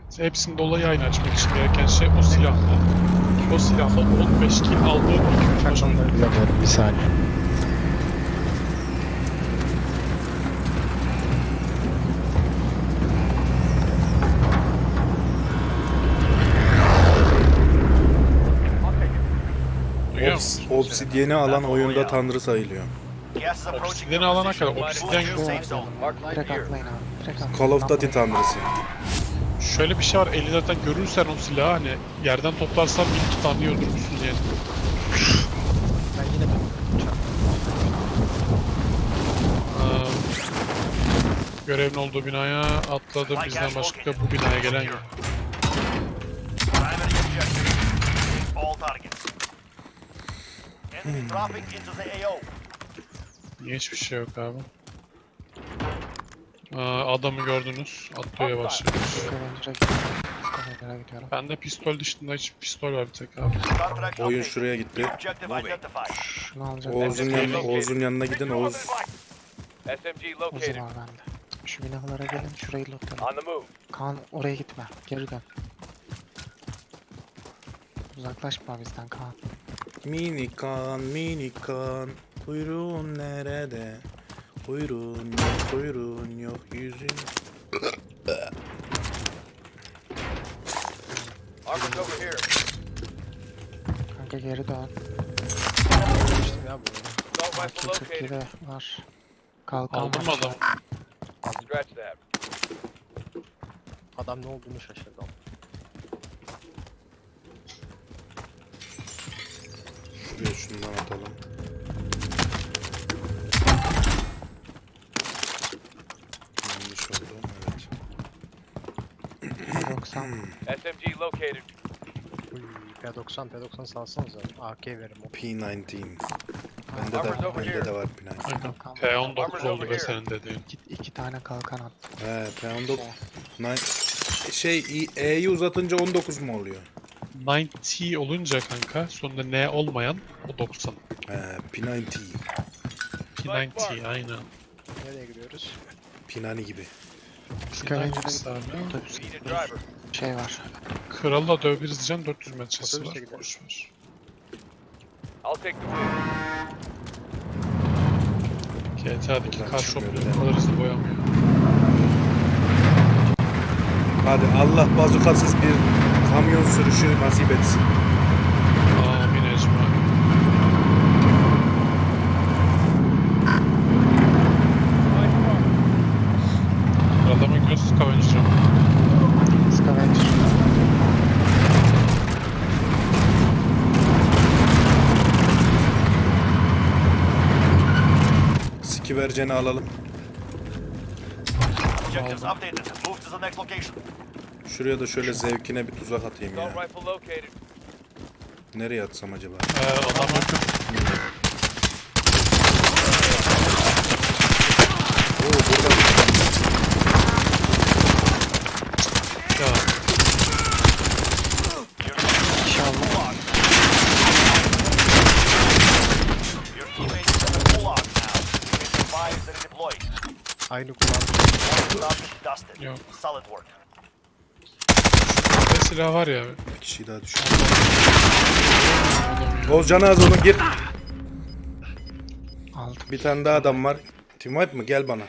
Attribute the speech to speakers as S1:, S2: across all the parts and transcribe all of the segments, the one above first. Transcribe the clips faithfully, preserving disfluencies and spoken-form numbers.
S1: Hepsinin dolayı aynı açmak için gereken şey o silahla. O silahla on beş kill aldığı iki üç maç oynadı.
S2: Bilmiyorum, bir saniye.
S1: Duyuyor musun?
S3: Obs Obsidian'i alan oyunda tanrı sayılıyor.
S1: Obsidian'i alana kadar Obsidian yok.
S2: Direkt atlayın abi. Direkt atlayın.
S3: Call of Duty tanrısı.
S1: Şöyle bir şey var, elinde görürsen o silahı hani yerden toplarsan bir iki tane öldürmüşsün yani.
S2: Ben yine de
S1: Aa, görevin olduğu binaya atladım, bizden başka bu binaya gelen yok. Niye hiçbir şey yok abi? Aa, adamı gördünüz, atlıyor yavaş yavaş.
S2: Scavenger'a gidiyorum. Scavenger'a gidiyorum.
S1: Bende pistol dışında hiç pistol var bir tek abi.
S3: Oyun şuraya gitti.
S2: Şunu alacağım.
S3: Oğuz'un yanına, Oğuz'un yanına gidin. Oğuz
S4: S M G
S2: Uzun
S4: located.
S2: var bende. Şu binalara gelin, şurayı lootlayalım.
S4: On the move.
S2: Kaan oraya gitme, geri dön. Uzaklaşma bizden Kaan.
S3: Minikan, minikan, kuyruğun nerede? Kuyruğun yok, kuyruğun yok, yüzün.
S4: Armor's over here.
S2: Kanka geri dön.
S4: Assault
S2: AK
S4: rifle located.
S2: kırk yedi var. Kalkan
S1: Aldın mı
S2: var.
S1: adamı?
S4: Scratch that.
S5: Adam ne olduğunu şaşırdı.
S3: Şuraya şundan atalım. Yanlış oldu, evet.
S2: doksan.
S4: S M G located.
S5: Uy, P doksan P doksan salsanıza. A K verim o.
S3: P doksan. Bende de, bende de var P doksan.
S1: Aynen. P on dokuz oldu be senin dediğin.
S2: İki, iki tane kalkan attım.
S3: He, P on dokuz. Nine- Şey, E'yi uzatınca on dokuz mu oluyor?
S1: doksan olunca kanka sonunda N olmayan o doksan.
S3: He, P doksan.
S1: P doksan aynen.
S5: Nereye gidiyoruz?
S3: Pinani gibi.
S2: Scavenger'a
S1: P doksan abi.
S2: gidiyorum. Otobüs
S4: Need a driver.
S2: şey var.
S1: Kralla dövebiliriz diyeceğim, dört yüz metresi var.
S5: Otobüse gidelim.
S1: Boş ver.
S4: I'll take the wheel.
S1: G T A'daki
S3: Buradan
S1: kar
S3: çıkmıyor
S1: şopları
S3: bir de.
S1: bu kadar hızlı boyanmıyor.
S3: Hadi Allah bazukasız bir kamyon sürüşü nasip etsin.
S1: Amin ecmaîn. Kralla mı gidiyorsun Scavenger'a mı?
S2: Scavenger.
S3: Sikiverceni alalım.
S6: Objectives updated. Move to the next location.
S3: Şuraya da şöyle zevkine bir tuzak atayım
S4: Assault
S3: ya.
S4: rifle located.
S3: Nereye atsam acaba?
S1: Ee, adam yakın.
S3: Oo, burada.
S1: Ya
S2: İnşallah.
S6: Your teammates is in the gulag now. You can survive the redeployed.
S5: Aynı kulağım.
S6: Stop it, dusted.
S1: Yok.
S6: Solid work.
S1: ne silah var ya.
S3: Bir kişi daha düştü. Oğuzcan az onu gir.
S2: Aldım.
S3: Bir tane daha adam var. Team wipe mı? Gel bana.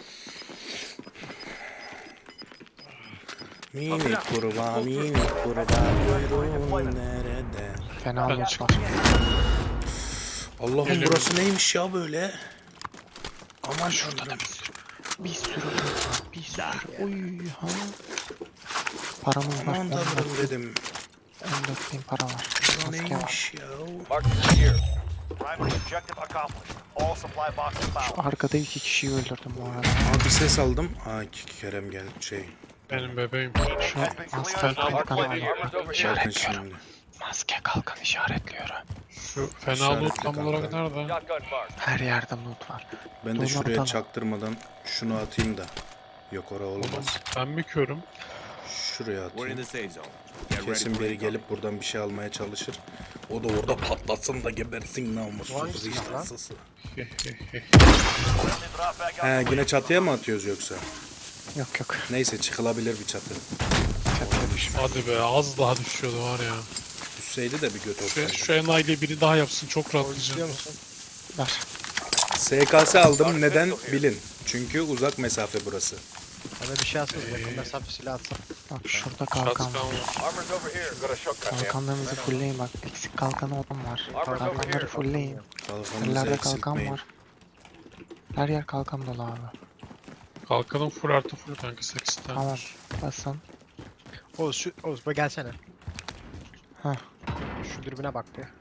S3: Mini kurbağa, mini kurbağa, kuyruğun nerede?
S2: Fena
S1: Ben
S2: loot
S1: çıktım.
S2: var.
S3: Allah'ım
S1: Geliyorum.
S3: burası neymiş ya böyle? Aman
S1: Şurada da
S3: tanrım.
S1: bir sürü.
S2: Bir sürü loot var. Bir sürü. Oy ha. Paramız var.
S3: Aman tanrım dedim.
S2: on dört bin para var.
S3: Bu
S2: Maske var.
S3: neymiş ya?
S4: Marked here.
S6: Primary objective accomplished. All supply boxes found.
S2: Arkada iki kişiyi öldürdüm bu arada.
S3: Abi ses aldım. Aa Kerem gel şey.
S1: Benim bebeğim.
S2: Şu
S6: Has been
S2: maske
S6: cleared.
S1: Fena
S2: kalkan
S1: loot
S2: var.
S4: Armor's over here.
S2: İşaretliyorum.
S3: Şimdi.
S2: Maske kalkan işaretliyorum.
S1: Şu fena
S3: İşaretli
S1: loot tam olarak
S3: kanka.
S1: nerede?
S4: Shotgun marked.
S2: Her yerde loot var.
S3: Ben de
S2: Dur,
S3: şuraya
S2: bakalım.
S3: çaktırmadan şunu atayım da. Yok ora olmaz.
S1: Ben mi körüm?
S3: Şuraya
S7: We're in
S3: atayım.
S7: the safe zone. Get ready
S3: Kesin
S7: for
S3: biri
S7: recon.
S3: gelip buradan bir şey almaya çalışır. O da orada patlasın da gebersin namussuz
S5: Vay silah lan.
S3: vicdansız.
S6: Friendly drop bag on
S3: He
S6: the way.
S3: yine çatıya mı atıyoruz yoksa?
S2: Yok yok.
S3: Neyse çıkılabilir bir çatı.
S2: Çatı
S1: Hadi be az daha düşüyordu var ya.
S3: Düşseydi de bir göt
S1: Şu,
S3: olsaydı.
S1: şu enayiyle biri daha yapsın çok
S5: İstiyor
S1: rahatlayacağım.
S5: musun?
S2: Ver.
S3: S K S aldım neden bilin. Çünkü uzak mesafe burası.
S5: Bana bir şey atsın. Yakın mesafe silah atsın.
S2: Bak şurada
S1: Şatkan
S2: kalkan
S1: var.
S2: var.
S4: Armor's over here.
S6: Got a shotgun here.
S2: Kalkanlarınızı fullleyin bak. Eksik kalkanı olan var. Kalkanları fullleyin.
S3: Kalkanımızı
S2: Yerlerde kalkan
S3: eksiltmeyin.
S2: var. Her yer kalkan dolu abi.
S1: Kalkanın full artı full kanka sekiz tane.
S2: Tamam. Basın.
S5: Oğuz şu Oğuz bak gelsene.
S2: Heh.
S5: Şu dürbüne bak bir.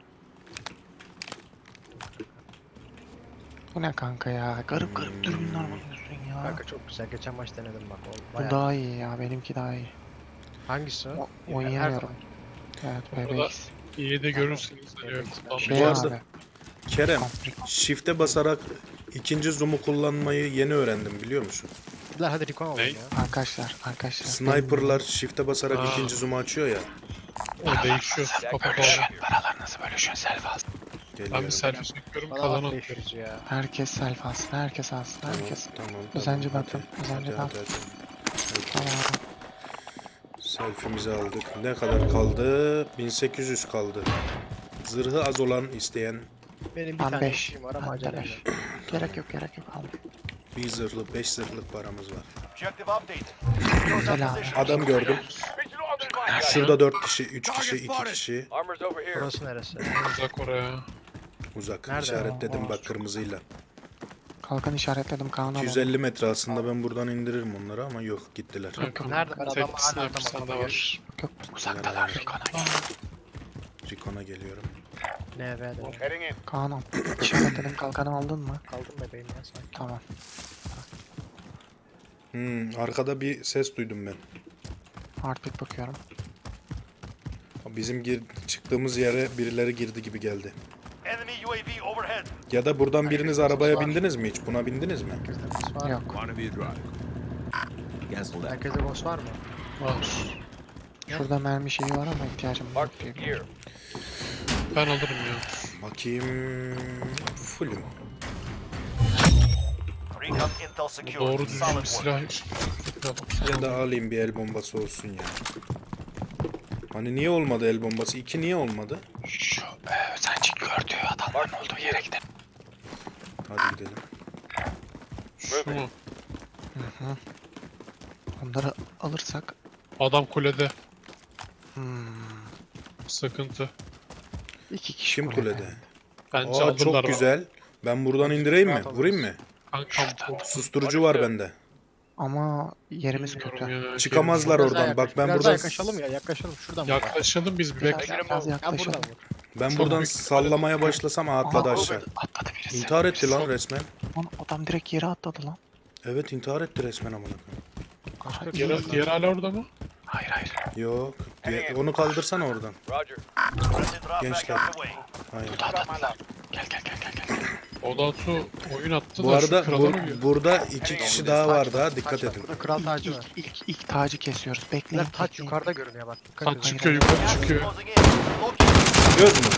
S2: Bu ne kanka ya? Garip garip dürbünler buluyorsun ya.
S5: Kanka çok güzel. Geçen maç denedim bak. O
S2: Bu
S5: bayağı.
S2: daha iyi ya. Benimki daha iyi.
S5: Hangisi?
S2: O,
S5: Her
S2: oynayamıyorum.
S5: zaman.
S2: Evet
S1: Burada-
S2: B B X.
S1: İyi de görürsünüz diyor.
S2: Şey
S3: Bu arada-
S2: abi.
S3: Kerem,
S2: Konflik.
S3: shift'e basarak ikinci zoom'u kullanmayı yeni öğrendim biliyor musun?
S5: Lan hadi recon alalım
S1: Ne?
S5: ya.
S2: Arkadaşlar, arkadaşlar.
S3: Sniper'lar shift'e basarak
S1: Aa.
S3: ikinci zoom'u açıyor ya.
S1: O değişiyor. Papa papa.
S2: Paralar nasıl bölüşüyor selfie alsın.
S1: Ben
S3: Geliyorum.
S1: bir selfie çekiyorum
S5: Bana
S1: kalanı
S5: bak
S1: atıyorum.
S5: beş yüz ya.
S2: Herkes selfie alsın. Herkes alsın.
S3: Tamam,
S2: Herkes.
S3: tamam, tamam.
S2: Özenci
S3: hadi.
S2: bakın, özenci
S3: Hadi,
S2: bak.
S3: hadi, hadi.
S2: Tamam abi.
S3: Selfie'mizi aldık. Ne kadar kaldı? bin sekiz yüz kaldı. Zırhı az olan isteyen
S5: Benim bir
S2: Ben
S5: tane
S2: beş.
S5: işim var ama
S2: Ben
S5: acele
S2: de beş.
S5: etme.
S2: Gerek yok, gerek yok abi.
S3: bir zırhlı, beş zırhlık paramız var.
S6: Objective updated.
S2: Güzel abi.
S3: Adam gördüm.
S4: Mission on the line, guys.
S3: Şurada dört kişi, üç kişi, iki kişi.
S4: Armor's over here.
S5: Burası neresi?
S1: Uzak oraya.
S3: Uzak.
S5: Nerede?
S3: İşaretledim
S2: Aa,
S3: bak kırmızıyla.
S2: Kalkan işaretledim Kaan'a.
S3: iki yüz elli metre aslında ben buradan indiririm onları ama yok gittiler.
S1: Kanka,
S5: Nerede? Ben
S1: tek
S5: adamı hala
S1: sniper
S5: adamı
S1: sende
S5: adamı
S1: var.
S2: Yok, uzaktalar. Kaan'a gel.
S3: Recon'a geliyorum.
S5: N V'de.
S6: Heading in.
S2: Kaan'ım. İşaretledim kalkanı aldın mı?
S5: Kaldım bebeğim ya sanki.
S2: Tamam.
S3: Hmm, arkada bir ses duydum ben.
S2: Heartbeat bakıyorum.
S3: Bizim gir çıktığımız yere birileri girdi gibi geldi.
S6: Enemy U A V overhead.
S3: Ya da buradan biriniz arabaya bindiniz mi hiç? Buna bindiniz mi?
S5: Herkeste boss var mı?
S2: Yok.
S5: Herkeste boss var mı?
S1: Var.
S2: Şurada mermi şeyi var ama ihtiyacım yok
S4: Mark
S2: diye
S4: the gear.
S2: biliyorum.
S1: Ben alırım ya.
S3: Bakayım. Fullüm.
S6: Recon intel
S1: Bu
S6: secured.
S1: doğru düzgün
S6: Solid
S1: bir
S6: work.
S1: silah.
S3: Ya da alayım bir el bombası olsun ya. Hani niye olmadı el bombası? İki niye olmadı?
S2: Şu e, özenci gördüğü adamların olduğu yere gidelim.
S3: Hadi gidelim.
S1: Şu mu?
S2: Hı hı. Onları alırsak.
S1: Adam kulede.
S2: Hmm,
S1: Sıkıntı.
S2: iki kişi
S3: Kim kulede?
S1: Bence
S3: Aa
S1: alırlar.
S3: çok güzel. Ben buradan indireyim mi? Vurayım mı?
S1: Kankam bu.
S3: Susturucu var bende.
S2: Ama yerimiz
S1: Bilmiyorum
S2: kötü.
S1: ya,
S3: Çıkamazlar
S5: Biraz daha
S3: oradan. Bak
S5: yaklaş-
S3: ben
S5: biraz daha
S3: buradan
S5: yaklaşalım ya yaklaşalım şuradan vur.
S1: Yaklaşalım biz bir
S2: Biraz,
S1: bekle.
S2: biraz
S5: Ya
S2: yaklaşalım.
S5: buradan vur.
S3: ben buradan sallamaya başlasam aa, atladı
S2: Aha,
S3: aşağı.
S2: Atladı birisi.
S3: İntihar etti lan resmen.
S2: Lan adam direkt yere atladı lan.
S3: Evet intihar etti resmen amına
S2: Aha, iyi.
S1: Diğer, diğer hala orada mı?
S2: Hayır hayır.
S3: koyayım. Yok. diye- Onu kaldırsana oradan.
S4: Roger.
S6: Friendly drop back
S3: Gençler.
S6: on the way.
S3: Hayır.
S2: Gel gel gel gel gel.
S1: Odatu oyun attı
S3: Bu
S1: da
S3: arada
S1: şu krala
S3: bu,
S1: uyuyor.
S3: burada iki kişi daha var daha dikkat edin.
S5: Burada kral tacı
S2: İlk,
S5: var.
S2: ilk, ilk, ilk tacı kesiyoruz. Bekleyin.
S5: Lan taç
S2: bekleyin.
S5: yukarıda görünüyor bak. Dikkat
S1: Taç
S5: edin.
S1: çıkıyor yukarı
S6: Gas is
S1: çıkıyor.
S6: closing in. Locate.
S3: Göz mü?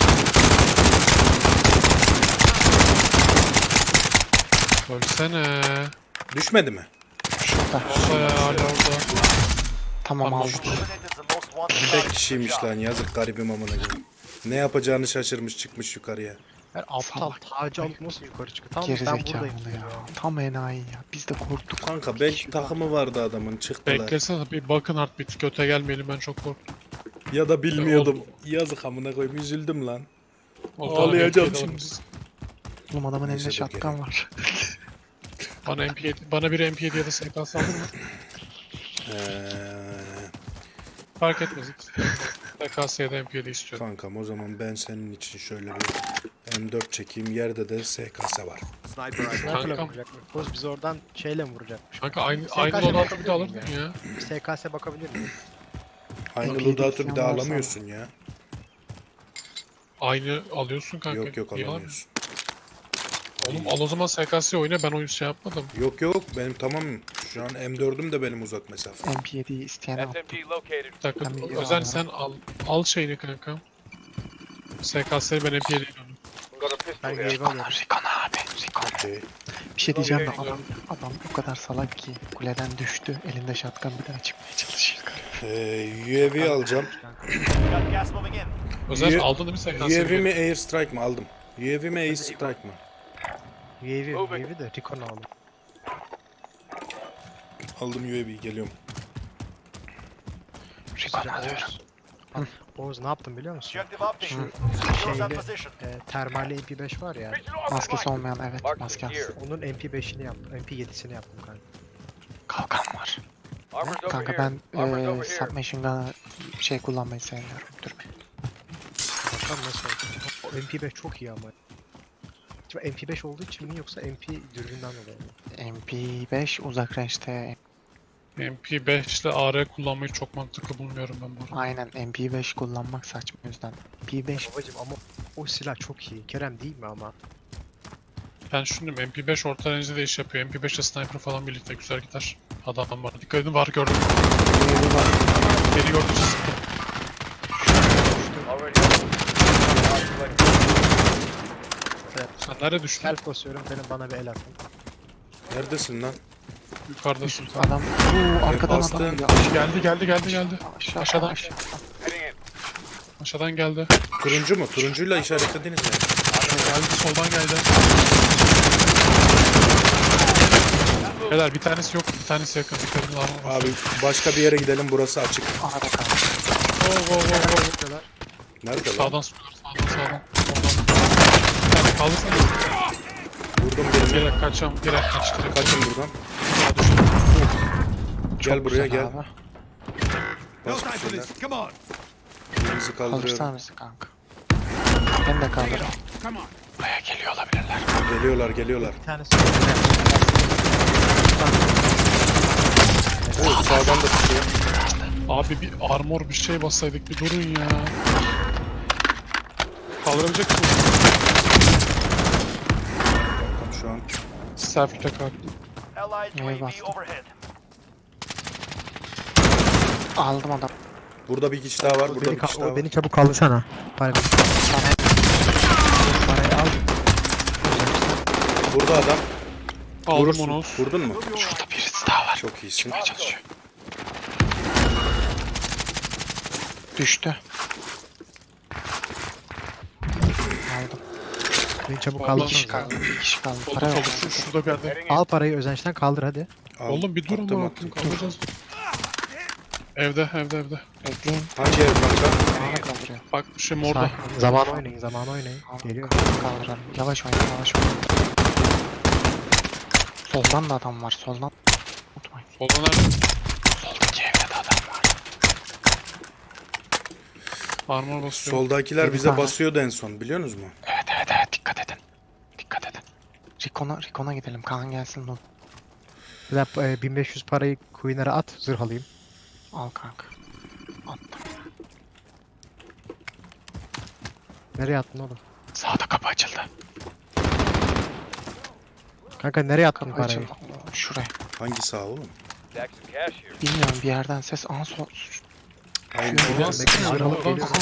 S1: Ölsene.
S3: Düşmedi mi?
S2: Şurada.
S1: Orada ya hala orada.
S2: Tamam
S1: Tamam.
S2: aldık.
S6: Eliminated the most wanted
S3: Tek
S6: target.
S3: kişiymiş lan yazık garibim amına koyayım. Ne yapacağını şaşırmış çıkmış yukarıya.
S5: Her aptal
S2: Salak.
S5: tacı alıp nasıl yukarı çıkıyor? Tamam ben
S2: Gerizekalı
S5: buradayım.
S2: ya. Tam enayi ya. Biz de korktuk.
S3: Kanka
S2: Bir
S3: belki
S2: kişi
S3: takımı vardı adamın çıktılar.
S1: Beklesene bir bakın Heartbeat. Göte gelmeyelim ben çok korktum.
S3: Ya da bilmiyordum. Yazık amına koyayım üzüldüm lan.
S1: O
S3: Ağlayacağım
S1: tane
S3: şimdi.
S1: M P yedi alırız.
S2: Oğlum adamın
S3: Neyse,
S2: elinde
S3: dur
S2: şatkan var.
S1: Bana M P yedi, bana bir M P yedi ya da S K S alır mı?
S3: Eee
S1: Fark etmez. S K S ya da M P yedi istiyorum.
S3: kankam o zaman ben senin için şöyle bir M dört çekeyim. Yerde de S K S var.
S5: Sniper'la
S1: Kankam.
S5: vuracak mı? Boz bizi oradan şeyle mi vuracakmış?
S1: Kanka aynı,
S5: S K S
S1: aynı Odatu bir
S5: bakabilir
S1: de
S5: miyim
S1: alırdın ya.
S5: S K S bakabilir miyim?
S3: Aynı
S2: Peki,
S3: loadout'u bir
S2: isteyen
S3: daha
S2: varsa-
S3: alamıyorsun ya.
S1: Aynı alıyorsun kanka.
S3: Yok yok
S1: Niye
S3: alamıyorsun.
S1: Oğlum al o zaman S K S oyna ben oyun şey yapmadım.
S3: Yok yok benim tamam. Şu an M dördüm de benim uzak mesafe.
S2: M P yediyi isteyen al.
S4: S M G located.
S1: Bir dakika
S2: Ben bir
S1: Özen
S2: alıyorum.
S1: sen al. Al şeyini kanka. S K S'yi ben M P yedi'yi alayım.
S4: Got a pistol
S5: Ben
S4: here.
S5: wave alıyorum.
S2: Recon abi. Recon.
S3: Okey.
S2: Bir şey diyeceğim de
S1: Okey.
S2: adam, adam o kadar salak ki kuleden düştü. Elinde şatkan bir daha çıkmaya çalışıyor.
S3: Ee, U A V alacağım.
S6: Got gas moving in.
S1: Özel
S3: U-
S1: aldın değil mi sen
S3: U A
S1: kanseri?
S3: V mi Air Strike mi aldım? U A V mi Air Strike mı?
S5: U A V, U A V de Recon aldım.
S3: Aldım U A V geliyorum.
S2: Recon alıyorum.
S5: Oğuz. Al, Oğuz ne yaptım biliyor musun?
S6: Objective update. Shields at
S5: Şeyli,
S6: position.
S5: e, termali M P beş var ya.
S4: Regional Armored
S2: Maskesi
S4: Rifle.
S2: olmayan evet
S4: Mark
S2: maske
S4: the
S2: alsın.
S4: gear.
S5: Onun M P beşini yaptım. M P yedisini yaptım kanka.
S2: Kalkan var.
S4: Armor's over
S2: Kanka
S4: here.
S2: ben
S4: Armor's
S2: eee
S4: over here.
S2: submachine gun'ı şey kullanmayı sevmiyorum. Dur bir.
S5: Bakalım nasıl oldu. O M P beş çok iyi ama. Acaba M P beş olduğu için mi yoksa M P dürbünden dolayı mı?
S2: M P beş uzak range'de
S1: M P beş ile A R kullanmayı çok mantıklı bulmuyorum ben bu arada.
S2: aynen M P beş kullanmak saçma o yüzden. M P beş
S5: Babacım ama o silah çok iyi. Kerem değil mi ama?
S1: Ben düşündüm M P beş orta range'de de iş yapıyor. M P beş ile sniper falan birlikte güzel gider. Adam var. Dikkat edin var gördüm. Beni gördü sıktı.
S4: Already.
S1: Sen nerede düştün?
S5: Self basıyorum benim bana bir el atın.
S3: Neredesin lan?
S1: Yukarıdasın.
S2: adam uuu arkadan
S3: bastı.
S2: adam geliyor.
S1: Geldi geldi geldi geldi.
S2: Aşağı,
S1: Aşağıdan.
S2: aşağı.
S4: Heading in.
S1: Aşağıdan geldi.
S3: Turuncu mu? Turuncuyla işaretlediniz mi?
S1: Geldi soldan geldi. Beyler bir tanesi yok, bir tanesi yakın. Dikkat edin armor var.
S3: Abi başka bir yere gidelim, burası açık.
S2: Arada kaldı.
S1: Go go go go.
S5: Bakıyorlar.
S3: Nerede lan?
S1: Sağdan sıkıyorlar, sağdan sağdan. Soldan. Yani kaldırsana.
S3: Vurdum birini.
S1: Direkt kaçacağım, direkt kaç. Direkt kaç.
S3: Kaçın buradan. Gel buraya
S2: Güzel
S3: gel.
S2: abi.
S3: Bas bir şeyler. Birimizi
S2: Kaldırsana
S3: kaldırıyorum.
S2: bizi kanka. Ben de kaldırırım. Buraya geliyor olabilirler.
S3: Geliyorlar geliyorlar.
S5: Bir tanesi
S3: Oo, sağdan da tutuyor.
S1: Abi bir armor bir şey bassaydık bir durun ya. Kaldırabilecek misin?
S3: Tam şu an.
S1: Selfie tekrar.
S6: Allied U A
S2: Neye
S6: V
S2: bastım?
S6: overhead.
S2: Aldım adam.
S3: Burada bir kişi daha var. Burada
S5: beni,
S3: bir kişi
S5: ka-
S3: daha
S5: o
S3: var.
S5: beni çabuk kaldırsana. Para Parayı al.
S3: Burada adam.
S1: Aldım
S3: Vurursun.
S1: onu.
S3: Vurdun mu?
S2: Şurada birisi daha var.
S3: Çok iyisin.
S2: Çalışıyor. Düştü. Aldım.
S5: Beni çabuk
S1: Vallahi
S2: Bir kişi
S5: kaldırsana.
S2: kaldı. Bir kişi kaldı.
S1: Solda
S2: Para yok.
S1: solda şu, şurada bir yerde.
S4: Heading in.
S5: Al parayı özençten kaldır hadi.
S3: Al,
S1: Oğlum bir durun
S3: attım,
S1: lan
S3: attım.
S1: kaldıracağız. Evde evde evde.
S2: Bekleyin.
S3: Hangi ev kanka?
S2: Bana kaldırıyor.
S1: Bak bir şey orada.
S5: Sakin. Zaman oynayın, zaman oynayın. Geliyor.
S2: Kaldıralım. Yavaş oynayın, yavaş oynayın. Soldan da adam var, soldan. Unutmayın.
S1: Solda nerede?
S2: Soldaki evde de adam var.
S1: Armor basıyor.
S3: Soldakiler
S2: Bir
S3: bize
S2: tane.
S3: basıyordu en son, biliyorsunuz mu?
S2: Evet evet evet, dikkat edin. Dikkat edin. Rikon'a Rikon'a gidelim. Kaan gelsin dur.
S5: Bir dakika, e, bin beş yüz parayı Queen'lere at, zırh alayım.
S2: Al kanka. Attım.
S5: Nereye attın oğlum?
S2: Sağda kapı açıldı.
S5: Kanka nereye attın
S2: Kapı
S5: parayı?
S2: açıldı. Şuraya.
S3: Hangi sağ oğlum?
S4: Stack some cash here.
S2: Bilmiyorum, bir yerden ses. Aa sol.
S3: Aynen.
S2: Şuraya.
S1: Ulan
S5: Bekle, zırh alıp
S1: Oradan-
S5: geliyorum.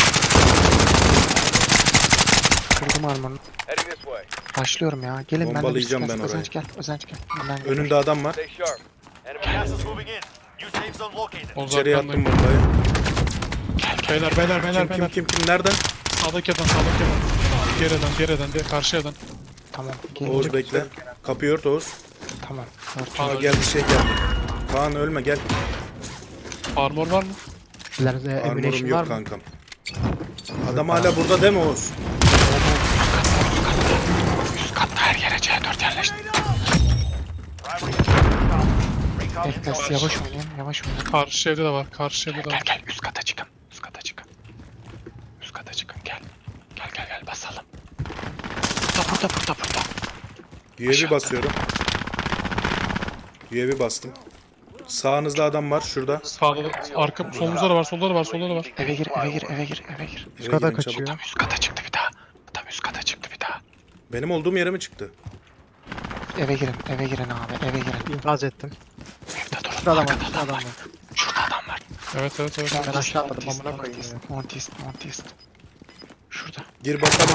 S2: Kırdım armorunu.
S4: Heading this way.
S2: Başlıyorum ya. Gelin ben de bir
S3: Bombalayacağım
S2: sıkı-
S3: ben orayı.
S2: Özenç gel. Özenç gel. Önden gel.
S3: Önünde adam var.
S4: Stay sharp. Enemy
S6: Gas
S4: gas.
S6: is moving in. New safe zone located.
S1: Oğuz
S3: İçeriye
S1: arkandayım.
S3: attım bombayı.
S1: Beyler beyler beyler
S3: Kim kim
S1: beyler.
S3: kim kim nereden?
S1: Sağdaki adam sağdaki adam. Diğer adam diğer adam diğer karşı adam.
S2: Tamam. Gelin.
S3: Oğuz bekle. Kapıyı ört Oğuz.
S2: Tamam. Ört.
S3: Aa, gel bir şey gel. Kaan ölme gel.
S1: Armor var mı?
S5: Sizlerde
S3: Armorum
S5: emulation var
S3: yok
S5: mı?
S3: kankam. Adam hala burada değil mi Oğuz?
S2: Üst katta her yere C dört yerleşti.
S6: Primary recon. Recon
S2: Bekle,
S6: intel.
S2: yavaş oynayın. Yavaş oynayın.
S1: Karşı evde de var. Karşı evde de
S2: Gel
S1: var.
S2: gel, üst kata çıkın. Üst kata çıkın. Üst kata çıkın, gel. Gel gel gel, basalım. Burada burada burada burada.
S3: U A V basıyorum. U A V bastım. Sağınızda adam var şurada.
S1: Sağda da arka solumuzda da var. Solda da var. Solda da var.
S2: Eve gir, eve gir, eve gir, eve gir.
S3: Eve
S5: kata
S3: girin çabuk.
S5: kaçıyor.
S2: Tam üst kata çıktı bir daha. Tam üst kata çıktı bir daha.
S3: Benim olduğum yere mi çıktı?
S2: Eve girin, eve girin abi, eve girin.
S5: İnfaz ettim.
S2: Evde durun.
S5: Şurada adam var,
S2: Arkada
S5: şurada adam var.
S2: Şurada adam var.
S1: Evet evet evet.
S5: Ben aşağı atladım,
S2: Montist,
S5: amına koyayım
S2: Montist, Montist, Montist. Şurada.
S3: Gir bakalım.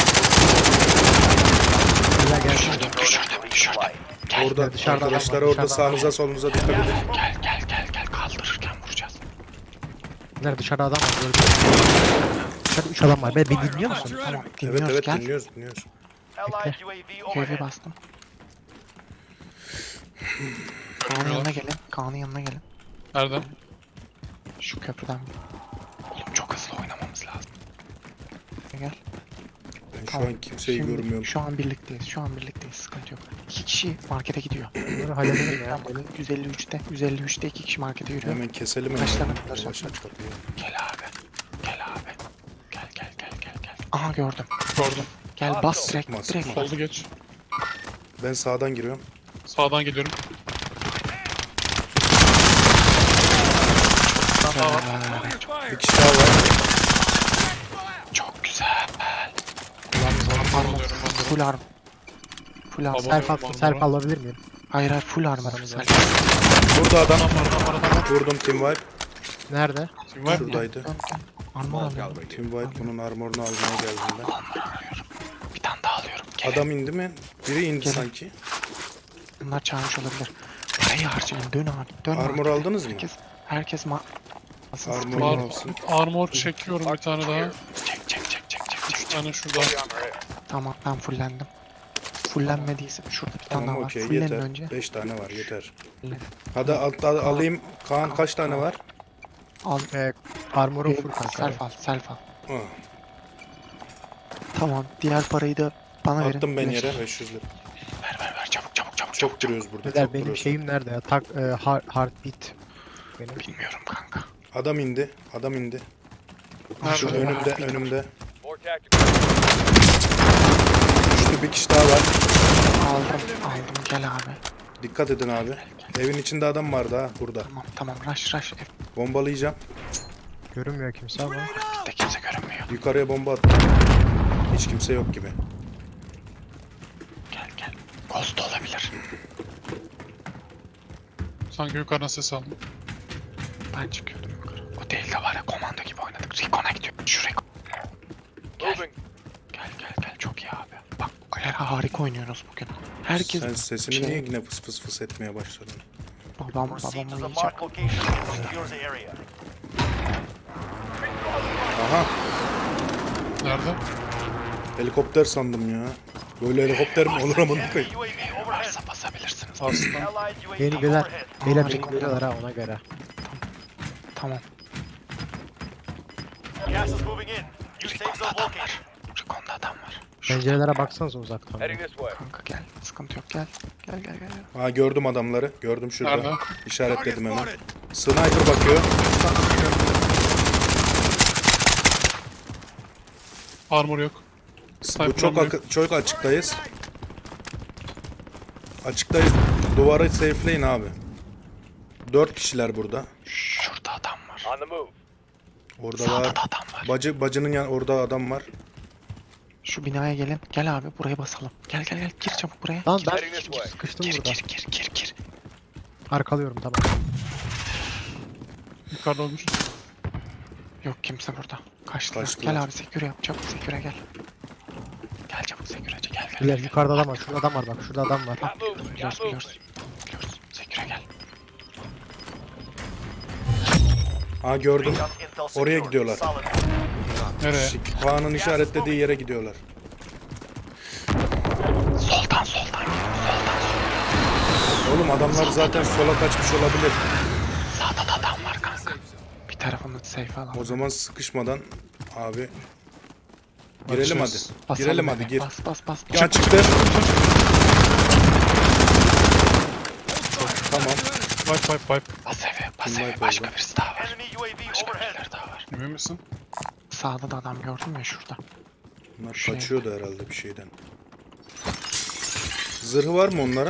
S5: Beyler gel.
S2: Düşürdüm, düşürdüm, düşürdüm. Gel,
S3: Orada
S5: dışarıda adam var,
S3: arkadaşlar orada
S5: dışarıda
S3: sağınıza solunuza dikkat edin.
S2: gel, gel, gel, gel. Kaldırırken vuracağız.
S5: Bunlar dışarıda adam var. Gördüm. Dışarıda üç adam var. Beni, beni dinliyor musun?
S2: Tamam
S3: Evet
S2: dinliyoruz
S3: evet
S2: gel.
S3: dinliyoruz dinliyoruz.
S6: Allied U A V
S2: U A V
S6: overhead.
S2: bastım. Kaan'ın yanına gelin. Kaan'ın yanına gelin.
S1: Nereden?
S2: Şu köprüden. Oğlum çok hızlı oynamamız lazım. Gel.
S3: Ben şu
S2: Tamam.
S3: an kimseyi
S2: Şimdi
S3: görmüyorum.
S2: Şu an birlikteyiz. Şu an birlikteyiz. Sıkıntı yok. İki kişi markete gidiyor.
S5: Bunları halledelim ya.
S2: Böyle yüz elli üçte. yüz elli üçte iki kişi markete yürüyor.
S3: Hemen keselim hemen.
S2: Kaç tane
S3: Yavaş
S2: bunlar
S3: aç kapıyı.
S2: Gel abi. Gel abi. Gel gel gel gel gel. Aha gördüm.
S1: Gördüm.
S2: Gel bas direkt.
S3: Sıkma,
S2: Direkt.
S3: sıkma.
S1: Soldu geç.
S3: Ben sağdan giriyorum.
S1: Sağdan geliyorum.
S2: Güzel.
S3: Bir kişi daha var.
S2: Çok güzel.
S1: Armor
S2: Armor.
S1: alıyorum ben de.
S2: Full arm. Full arm.
S1: Baba.
S5: Self, al,
S1: Tamam,
S5: self
S1: tamam.
S5: alabilir miyim?
S2: Hayır hayır full armor. Self.
S3: Burada adam.
S1: Adam var, adam var, adam var.
S3: Vurdum Team Wipe.
S5: Nerede?
S1: Kim var?
S3: Şuradaydı.
S2: Dön, dön. Armor alıyorum.
S3: Team Wipe bunun armorunu almaya geldim ben.
S2: Bir tane daha alıyorum. Gelin.
S3: Adam indi mi? Biri indi
S2: Gelin.
S3: sanki.
S2: Bunlar çağırmış olabilir. Parayı harcayın. Dön abi. Dön
S3: Armor
S2: abi.
S3: aldınız mı?
S2: Herkes, herkes ma... Asıl
S3: Armor
S2: sıkıntı-
S1: Var.
S3: alsın.
S1: Armor çekiyorum bir tane daha.
S2: Çek çek çek çek çek
S1: Üç
S2: çek.
S1: tane şurada.
S2: Tamam ben fullendim. Fullenmediyse şurada bir tane
S3: Tamam
S2: daha var.
S3: okey
S2: Fullenin
S3: yeter.
S2: önce.
S3: beş tane var yeter.
S2: Fullen.
S3: Hadi al, al- alayım. Kaan kaç tane var?
S2: Al.
S5: Ee, armor'um full
S2: Ee,
S5: kanka.
S2: self al. Self al.
S3: Ah,
S2: Tamam. Diğer parayı da bana verin.
S3: attım ben
S2: Güneş.
S3: yere beş yüz lira.
S2: Ver ver ver çabuk çabuk çabuk.
S3: Çok duruyoruz burada.
S5: Beyler
S3: Çok
S5: benim
S3: duruyoruz.
S5: şeyim nerede ya? Tak, e, heart, heartbeat. Benim.
S2: Bilmiyorum kanka.
S3: Adam indi. Adam indi.
S2: Nerede?
S3: Şu önümde önümde.
S4: More tactical.
S3: Düştü bir kişi daha var.
S2: Aldım aldım gel abi.
S3: Dikkat edin abi. Evin içinde adam vardı ha burada.
S2: Tamam tamam rush rush. Evde
S3: Bombalayacağım.
S5: Görünmüyor kimse ama.
S2: kimse görünmüyor.
S3: Yukarıya bomba attım. Hiç kimse yok gibi.
S2: Gel gel. Ghost olabilir.
S1: Sanki yukarıdan ses aldım.
S2: Ben çıkıyordum yukarı. O değil de var ya komando gibi oynadık. Recon'a gidiyor. Şu Recon.
S4: Moving.
S2: Gel gel gel çok iyi abi. Bak öyle harika oynuyoruz bugün. Herkes
S3: Sen sesini
S2: şey-
S3: niye yine fıs fıs fıs etmeye başladın?
S2: babam
S6: Proceed
S2: babamı
S6: to the
S2: yiyecek.
S6: marked location and secure the area.
S3: Aha
S1: Nerede?
S3: helikopter sandım ya. Böyle helikopter mi olur ama
S6: Enemy
S3: koyayım.
S6: U A V overhead.
S2: Varsa basabilirsiniz.
S1: Aslında.
S6: Allied U A V
S5: Beni beyler,
S6: overhead.
S5: beyler
S2: Aa,
S5: beni
S2: Recon.
S5: görüyorlar ha ona göre.
S2: Tamam.
S6: Gas is moving in. New safe
S2: Recon'da
S6: zone
S2: adam
S6: located.
S2: var. Recon'da adam var. Şurada
S5: Pencerelere baksanıza uzaktan.
S4: Heading this way.
S2: kanka gel. Sıkıntı yok gel. Gel gel gel. gel.
S3: Ha gördüm adamları. Gördüm şurada.
S1: Nerede?
S3: İşaretledim hemen. Sniper bakıyor.
S1: Armor yok.
S3: Bu
S1: Sniper
S3: çok
S1: armor yok.
S3: akı- çok açıktayız. Açıktayız. Duvarı safeleyin abi. Dört kişiler burada.
S2: Şurada adam var.
S4: On the move.
S3: Orada
S2: Sağda
S3: var.
S2: da adam var.
S3: Bacı bacının yan orada adam var.
S2: Şu binaya gelin. Gel abi buraya basalım. Gel gel gel gir çabuk buraya.
S5: Lan
S2: gir,
S5: ben
S4: Heading this way.
S5: sıkıştım
S2: gir,
S5: burada.
S2: gir gir gir gir.
S5: Arkalıyorum tamam.
S1: Yukarıda olmuş.
S2: Yok kimse burada. Kaçtılar.
S3: Kaçtılar.
S2: Gel abi seküre yap. Çabuk seküre gel. Gel çabuk seküreci gel gel.
S5: Beyler
S2: gel.
S5: yukarıda adam var. Şurada adam var bak. Şurada adam var.
S4: Got movement.
S2: Biliyoruz
S4: Got movement.
S2: biliyoruz. Biliyoruz. Seküre gel.
S3: Ha gördüm.
S6: Recon intel
S3: Oraya
S6: secured.
S3: gidiyorlar.
S6: Solid.
S1: Nereye?
S3: Şik- Kaan'ın işaretlediği yere gidiyorlar.
S2: Soldan soldan gel. Soldan soldan.
S3: Oğlum adamlar zaten sola kaçmış olabilir.
S2: Sağda da adam var kanka. Bir tarafını safe alalım.
S3: O zaman sıkışmadan abi girelim hadi.
S1: Açacağız.
S2: Basalım
S3: Girelim
S2: eve.
S3: hadi gir.
S2: Bas bas bas.
S3: Ya çıktı. Tamam.
S1: Wipe wipe wipe.
S2: Bas eve. Bas
S3: Kim
S2: eve.
S3: var
S2: Başka
S3: orada?
S2: birisi daha var.
S6: Enemy U A V
S2: Başka
S6: overhead.
S2: birileri daha var.
S1: Emin misin?
S2: Sağda da adam gördün mü şurada?
S3: Bunlar
S2: Şey-
S3: kaçıyordu herhalde bir şeyden. Zırhı var mı onların?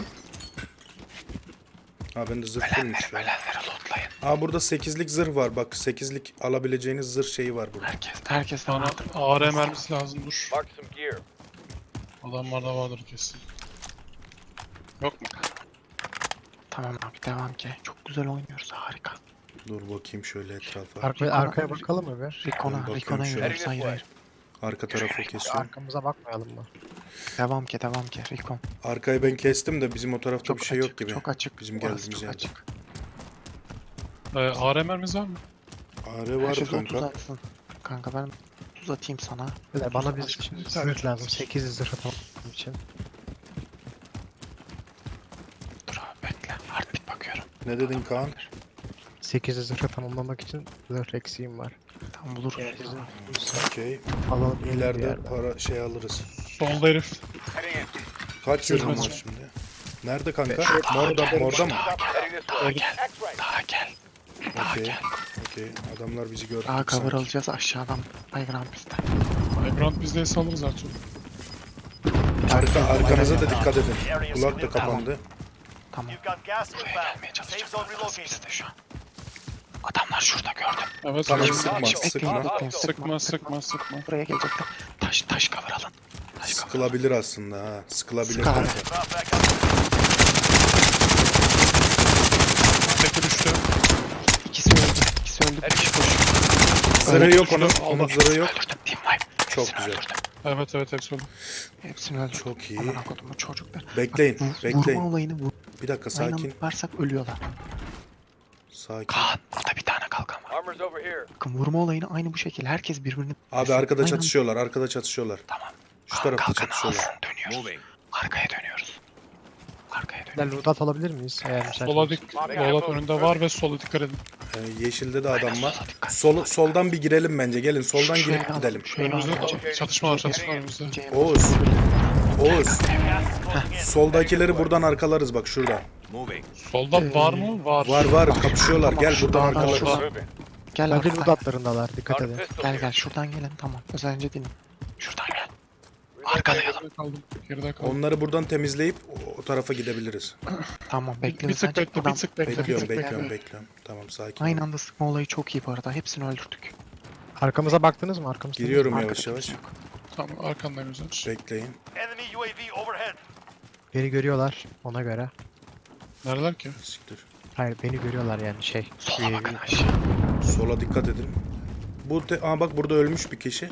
S3: Ha bende zırh değilmiş
S2: Ölenleri
S3: ya.
S2: ölenleri lootlayın.
S3: Aa burada sekizlik zırh var. Bak sekizlik alabileceğiniz zırh şeyi var burada.
S2: Herkes. Herkes de
S1: Bana
S2: vardır.
S1: A R mermisi lazım dur.
S4: Mark some gear.
S1: Adamlarda vardır kesin. Yok mu?
S2: Tamam abi devam ki. Çok güzel oynuyoruz harika.
S3: Dur bakayım şöyle etrafa.
S5: Arkaya, arkaya bakalım mı bir?
S2: Rikon'a,
S3: bakıyorum
S2: Rikon'a
S3: şöyle.
S2: yürüyoruz. Hayır hayır.
S3: Arka tarafı kesiyorum.
S5: Arkamıza bakmayalım mı?
S2: Devam ki devam ki. Rikon.
S3: Arkayı ben kestim de bizim o tarafta
S2: Çok
S3: bir şey
S2: açık,
S3: yok gibi.
S2: Çok açık.
S3: Bizim
S2: Orası
S3: geldiğimiz
S2: çok
S3: yerde.
S2: açık.
S1: Ee, A R mermisi var mı?
S3: A R var
S2: Herkes otuz
S3: kanka.
S2: atsın. Kanka ben otuz atayım sana.
S5: Beyler bana bir
S2: Otuz
S5: şimdi
S2: at.
S5: zırh lazım. sekiz zırh tamam için.
S2: Dur abi bekle. Heartbeat bakıyorum.
S3: Ne dedin Kaan?
S5: sekiz zırh tamamlamak için zırh eksiğim var.
S2: Tamam buluruz.
S5: Eğer sizin
S3: Okey.
S5: alalım bir
S3: İleride
S5: yerden.
S3: para şey alırız.
S1: Solda herif.
S3: Kaç zırhım var
S1: Yürümez.
S3: şimdi? Nerede kanka? Morda, morda mı?
S4: Heading this way.
S2: Gel.
S4: X-ray.
S2: Daha gel. Daha
S3: Okey.
S2: gel.
S3: Okey. Adamlar bizi gördü.
S2: Daha cover
S3: sanki.
S2: alacağız aşağıdan. Playground bizde.
S1: Vibrant bizdeyse alırız artık.
S3: Arka, arkanıza da dikkat edin. Kulak da kapandı.
S2: Tamam.
S6: You've got gas
S2: Buraya
S6: inbound.
S2: gelmeye
S6: Safe
S2: çalışacağız.
S6: zone
S2: Burası
S6: relocated.
S2: bizde şu an. Adamlar şurada gördüm.
S1: Evet.
S3: Tamam,
S1: evet.
S3: sıkma,
S2: Bekleyin,
S3: sıkma.
S2: bekleyin,
S1: Sıkma sıkma sıkma.
S2: Buraya gelecekler. Taş taş cover alın. Taş cover.
S3: Sıkılabilir aslında ha. Sıkılabilir
S2: Sık abi.
S3: kanka.
S6: Drop back up.
S1: Teki düştü.
S2: İkisi öldü. İkisi öldü. Bir kişi koşuyor.
S3: Zırhı yok onun.
S1: Aldım.
S3: Onun zırhı yok.
S2: Öldürdüm. Team wipe.
S3: Çok
S2: Hepsini
S3: güzel.
S2: öldürdüm.
S1: Evet evet hepsi oldu.
S2: Hepsini öldürdüm.
S3: Çok iyi.
S2: Amına kodumun çocuklar.
S3: Bekleyin.
S2: Bak, vur-
S3: Bekleyin.
S2: Vurma olayını vur.
S3: Bir dakika
S2: Aynı
S3: sakin.
S2: anda varsak ölüyorlar.
S3: Sakin.
S2: Kaan burada bir tane kalkan var.
S4: Armor's over here.
S2: Bakın vurma olayını aynı bu şekilde. Herkes birbirini...
S3: Abi arkada
S2: Aynı anda-
S3: çatışıyorlar. Arkada çatışıyorlar.
S2: Tamam.
S3: Şu
S2: Kaan
S3: tarafta
S2: kalkanı
S3: çatışıyorlar.
S2: alsın, dönüyoruz. Arkaya dönüyoruz. Arkaya dönüyoruz.
S5: Beyler loadout alabilir miyiz? Eğer müsait
S1: Sola
S5: olursa.
S1: dik. Dolap önünde var ve sola dikkat edin.
S3: Ee, yeşilde de adam var.
S2: sola dikkat.
S3: Sol, soldan bir girelim bence. Gelin soldan
S2: Şu
S3: girip
S2: evden-
S3: gidelim.
S2: şu evden
S1: Önümüzde
S2: alacağım.
S1: da- çatışma var çatışma var önümüzde.
S2: İnce-
S3: Oğuz. Oğuz.
S6: Gas is closing in.
S3: Soldakileri buradan arkalarız bak şuradan.
S1: Solda var mı? Var.
S3: Var var kapışıyorlar.
S2: Tamam,
S3: Gel
S2: şu
S3: buradan
S2: dağdan
S3: arkalarız.
S2: şuradan.
S4: Moving.
S2: Gel
S5: Bence
S2: arkadan.
S5: loadoutlarındalar. Dikkat
S4: Got a
S5: edin.
S4: pistol
S2: Gel
S4: here.
S2: gel şuradan gelin tamam. Özelce dinle. Şuradan gel.
S4: Relocating.
S2: Arkalayalım.
S1: Geride kaldım. Geride kaldım.
S3: Onları buradan temizleyip o, o tarafa gidebiliriz.
S2: Tamam
S1: Bir
S2: bekliyoruz.
S1: tık
S2: Bence
S1: bekle, bir
S2: buradan-
S1: tık bekle, bir
S3: Bekliyorum,
S1: tık
S3: bekliyorum,
S1: bekle.
S3: bekliyorum. Tamam sakin.
S2: Aynı
S3: ol.
S2: anda sıkma olayı çok iyi bu arada. Hepsini öldürdük.
S5: Arkamıza baktınız mı? Arkamızda
S3: Giriyorum
S2: Arkada
S3: yavaş yavaş.
S2: kimse yok.
S1: Tamam arkandayım Özer.
S3: Bekleyin.
S6: Enemy U A V overhead.
S5: beni görüyorlar ona göre.
S1: Neredeler ki?
S3: Siktir.
S5: Hayır beni görüyorlar yani şey.
S2: Sola
S5: U A V.
S2: bakın aşağı.
S3: Sola dikkat edin. Bu te- Aa bak burada ölmüş bir kişi.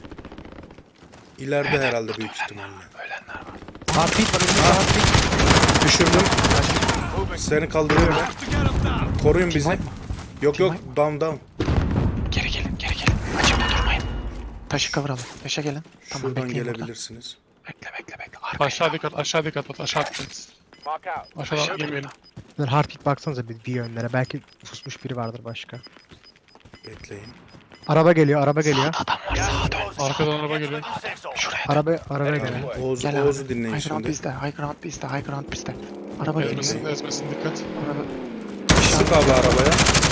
S3: İleride herhalde büyük ihtimalle.
S2: Ölenler var.
S5: Heartbeat var önümüzde heartbeat.
S3: Düşürdüm. Seni kaldırıyorum. Koruyun bizi.
S2: Team wipe mı?
S3: Yok
S2: Team
S3: yok down down.
S2: Geri gelin geri gelin. Açıkta durmayın. Taşı kıvıralım. Taşa gelin. Tamam
S3: Şuradan
S2: bekleyin burada.
S3: gelebilirsiniz.
S2: Bekle bekle bekle. Arkaya
S1: Aşağı
S2: bak.
S1: dikkat, aşağı dikkat at, aşağı dikkat.
S4: Mark out.
S1: Aşağıdan
S2: Aşağı
S1: yemeyelim.
S5: Beyler heartbeat baksanıza bir, bir yönlere. Belki pusmuş biri vardır başka.
S3: Bekleyin.
S5: Araba geliyor araba geliyor.
S2: Sağda adam var
S6: Gas
S2: sağa
S6: is
S2: dön.
S6: closing in.
S1: Arkadan
S6: Get
S1: araba
S6: to
S1: geliyor.
S6: the new safe zone.
S2: Şuraya dön.
S5: Araba arabaya geliyor.
S3: Oğuz,
S2: Gel
S3: Oğuz'u
S2: abi.
S3: dinleyin
S2: High ground
S3: şimdi.
S2: bizde. High ground bizde. High ground bizde. Araba geliyor.
S1: Ezmesin, ezmesin dikkat.
S2: Araba.
S3: Sık abi arabaya.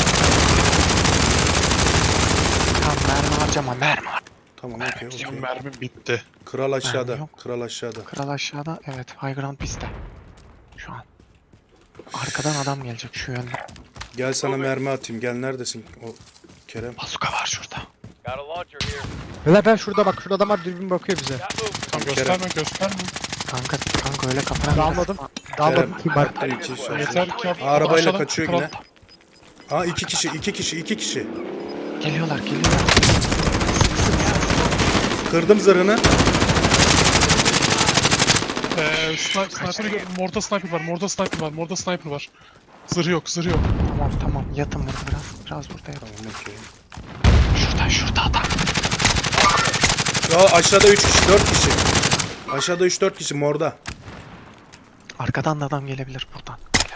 S2: Tamam mermi harcama mermi har-
S3: Tamam
S2: Mermi
S3: okey
S2: bitiyor.
S3: okey.
S1: Mermim bitti.
S3: Kral aşağıda.
S2: Mermi yok.
S3: Kral aşağıda.
S2: Kral aşağıda. Evet high ground bizde. Şu an. Arkadan adam gelecek şu yönde.
S3: Gel sana mermi atayım. Gel neredesin o Kerem?
S2: Bazuka var şurada.
S4: Got a launcher here.
S5: Beyler ben şurada bak şurada adam var dürbün bakıyor bize.
S4: Got movement.
S1: Tamam gösterme, gösterme.
S2: Kanka kanka öyle kafana
S5: Dağılmadım. Dağılmadım. Kim var?
S3: Kerem. iki kişi.
S1: Yeter ki yap.
S3: Arabayla
S1: Aşağıdan
S3: kaçıyor
S1: kral-
S3: yine. Aa iki kişi, iki kişi, iki kişi.
S2: Geliyorlar geliyorlar.
S3: Kırdım zırhını.
S1: Ee, sniper, sniper'ı gördüm. Morda sniper var, morda sniper var, morda sniper var. Zırh yok, zırh yok.
S2: Tamam tamam yatın burada biraz. Biraz burada yatın.
S3: Tamam okey.
S2: Şurada şurada adam.
S3: Ya aşağıda üç kişi, dört kişi. Aşağıda üç dört kişi morda.
S2: Arkadan da adam gelebilir buradan. Beyler.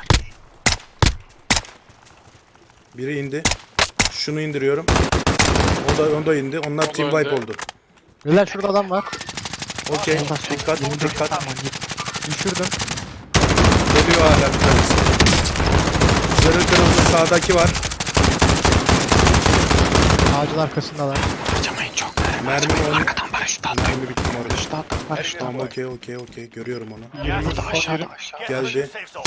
S3: Biri indi. Şunu indiriyorum. O da, o da indi. Onlar
S1: da
S3: team
S1: öldü.
S3: wipe oldu.
S5: Beyler şurada adam var.
S3: Okey.
S2: Solda, solda.
S3: Dikkat,
S2: yirmi dört
S3: dikkat.
S2: adam var.
S5: Düşürdüm.
S3: Geliyor hala bir tanesi. Zırhı kırıldı. Sağdaki var.
S5: Ağacın arkasındalar.
S2: Harcamayın çok.
S3: Mermi
S2: Harcamayın.
S3: onu-
S2: Arkadan paraşüt atlayın.
S3: Mermi bitti morda.
S2: Paraşüt atlayın. Paraşüt
S3: Tamam
S2: atlayın.
S3: okey okey okey. Görüyorum onu.
S4: Gas is
S2: Burada
S4: closing.
S2: aşağıda aşağıda.
S6: Get to the
S3: Geldi.
S6: new safe zone.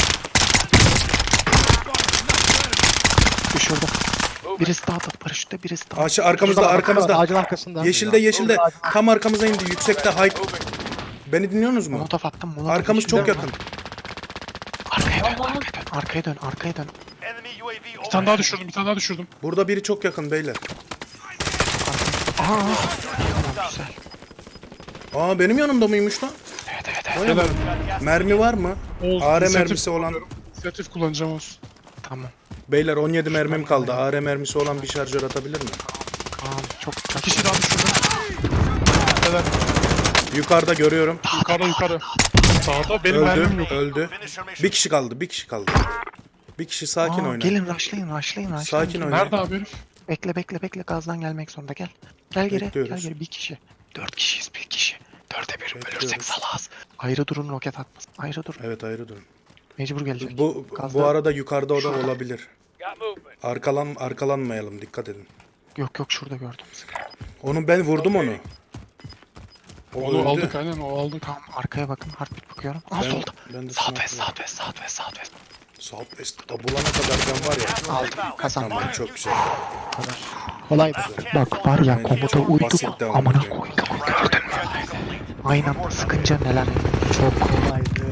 S2: Düşürdüm. Birisi daha da paraşütte birisi daha.
S3: Aşağı arkamızda
S5: Şurada,
S3: arkamızda.
S5: Ağacın arkasında.
S3: Yeşilde yeşilde. Tam arkamıza indi. Yüksekte high. Beni dinliyorsunuz mu?
S2: Molotof attım. Molotof
S3: Arkamız çok
S2: içinde.
S3: yakın.
S2: Arkaya dön. Arkaya dön. Arkaya dön. Arkaya dön.
S6: Enemy U A V
S1: Bir tane daha
S6: overhead.
S1: düşürdüm, bir tane daha düşürdüm.
S3: Burada biri çok yakın beyler.
S2: Aa. Tamam güzel.
S3: Aa benim yanımda mıymış lan?
S2: Evet evet evet.
S1: Beyler,
S3: Mermi var mı?
S1: Oğuz,
S3: A R
S1: inisiyatif
S3: mermisi olan.
S1: İnisiyatif kullanacağım Oğuz.
S2: Tamam.
S3: Beyler on yedi mermim kaldı. A R mermisi olan bir şarjör atabilir mi?
S2: Kaan çok
S1: Bir kişi daha düşürdüm. Helal.
S3: Yukarıda görüyorum.
S1: Yukarıda yukarı. Sağda benim mermim
S3: Öldü,
S1: yok.
S3: öldü.
S6: Finish your mission.
S3: Bir kişi kaldı, bir kişi kaldı. Bir kişi sakin
S2: Aa,
S3: oyna.
S2: Gelin rushlayın rushlayın rushlayın.
S3: Sakin
S2: gelin.
S3: oyna.
S1: Nerede abi herif?
S2: Bekle bekle bekle gazdan gelmek zorunda gel. Gel geri
S3: Bekliyoruz.
S2: gel geri bir kişi. Dört kişiyiz bir kişi. Dörde bir
S3: Bekliyoruz.
S2: ölürsek salağız. Ayrı durun roket atmasın. Ayrı durun.
S3: Evet ayrı durun.
S2: Mecbur gelecek.
S3: Bu
S2: Gazda-
S3: bu arada yukarıda o da olabilir.
S4: Got movement.
S3: Arkalan arkalanmayalım, dikkat edin.
S2: Yok yok şurada gördüm.
S3: Onu ben vurdum onu. O
S1: Onu
S3: öldü.
S1: aldık aynen o aldık.
S2: Tamam arkaya bakın. Heartbeat bakıyorum. Aa
S3: Ben,
S2: solda.
S3: ben de
S2: Southwest
S3: sniper-
S2: southwest southwest southwest.
S3: Southwest'ta bulana kadar ben var ya.
S2: Aldım. Kazandım.
S3: Tamam çok güzel.
S2: Kolay. Bak var ya
S3: Bence
S2: komuta
S3: çok
S2: uydum.
S3: basit de
S2: Amına
S3: olmuş.
S2: koydum. Gördün mü? Aynen sıkınca neler.
S5: Çok kolaydı.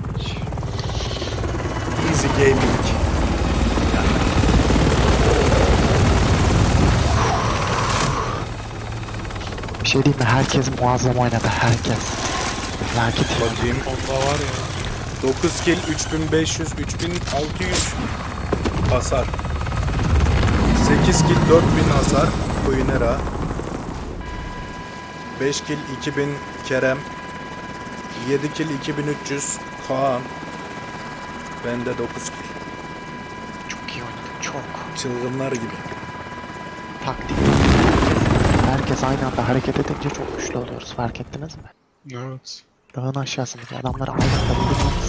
S3: Easy gaming.
S2: Bir şey diyeyim mi? Herkes muazzam oynadı. Herkes. Lakin
S3: Bakayım.
S1: Onda var ya.
S3: dokuz kill, üç bin beş yüz, üç bin altı yüz hasar. sekiz kill, dört bin hasar. Queenera. beş kill, iki bin Kerem. yedi kill, iki bin üç yüz Kaan. Bende dokuz kill.
S2: çok iyi oynadık. Çok.
S3: Çılgınlar gibi.
S2: Taktik. Herkes aynı anda hareket edince çok güçlü oluyoruz. Fark ettiniz mi?
S1: Evet.
S2: Dağın aşağısındaki adamları aynı anda vurursak